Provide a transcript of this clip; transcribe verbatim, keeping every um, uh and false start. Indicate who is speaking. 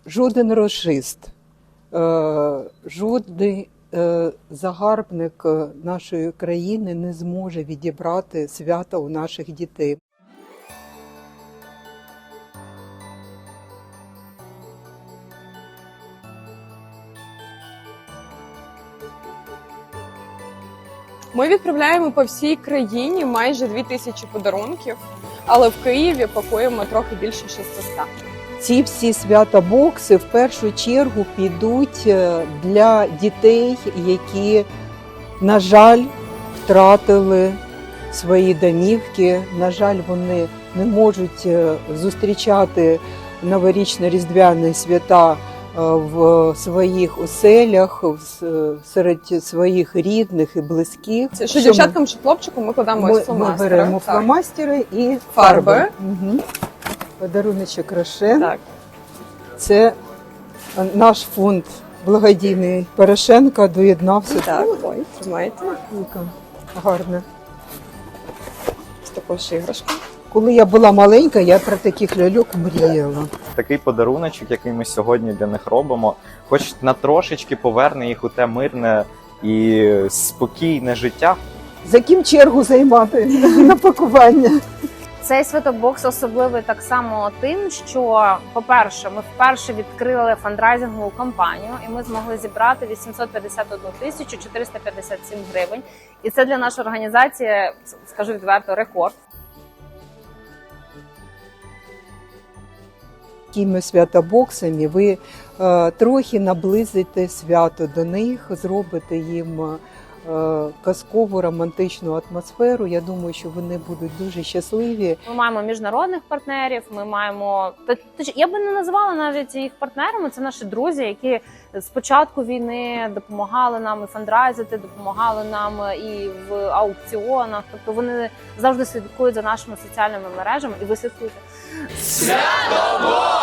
Speaker 1: Жоден рашист, жодний загарбник нашої країни не зможе відібрати свята у наших дітей.
Speaker 2: Ми відправляємо по всій країні майже дві тисячі подарунків, але в Києві пакуємо трохи більше шістсот.
Speaker 1: Ці всі свята-бокси в першу чергу підуть для дітей, які, на жаль, втратили свої домівки. На жаль, вони не можуть зустрічати новорічно-різдвяні свята в своїх оселях, серед своїх рідних і близьких.
Speaker 2: Це що дівчаткам, що хлопчикам ми кладемо
Speaker 1: ми,
Speaker 2: ось фломастери.
Speaker 1: Ми беремо фломастери і
Speaker 2: фарби.
Speaker 1: фарби. Угу. Подаруночок Рошен.
Speaker 2: Так.
Speaker 1: Це наш фонд благодійний Порошенка доєднався.
Speaker 2: Так, ой, тримайте.
Speaker 1: Гарно.
Speaker 2: Ось також іграшка.
Speaker 1: Коли я була маленька, я про таких ляльок мріяла.
Speaker 3: Такий подаруночок, який ми сьогодні для них робимо, хоч на трошечки поверне їх у те мирне і спокійне життя.
Speaker 1: За ким чергу займати на пакування?
Speaker 4: Цей святобокс особливий так само тим, що, по-перше, ми вперше відкрили фандрайзингову кампанію, і ми змогли зібрати вісімсот п'ятдесят одну тисячу чотириста п'ятдесят сім гривень. І це для нашої організації, скажу відверто, рекорд.
Speaker 1: Такими святобоксами ви е, трохи наблизите свято до них, зробите їм е, казкову романтичну атмосферу. Я думаю, що вони будуть дуже щасливі.
Speaker 4: Ми маємо міжнародних партнерів, ми маємо... Я би не називала навіть їх партнерами, це наші друзі, які з початку війни допомагали нам і фандрайзити, допомагали нам і в аукціонах. Тобто вони завжди слідкують за нашими соціальними мережами, і ви слідкуєте.
Speaker 5: Свято!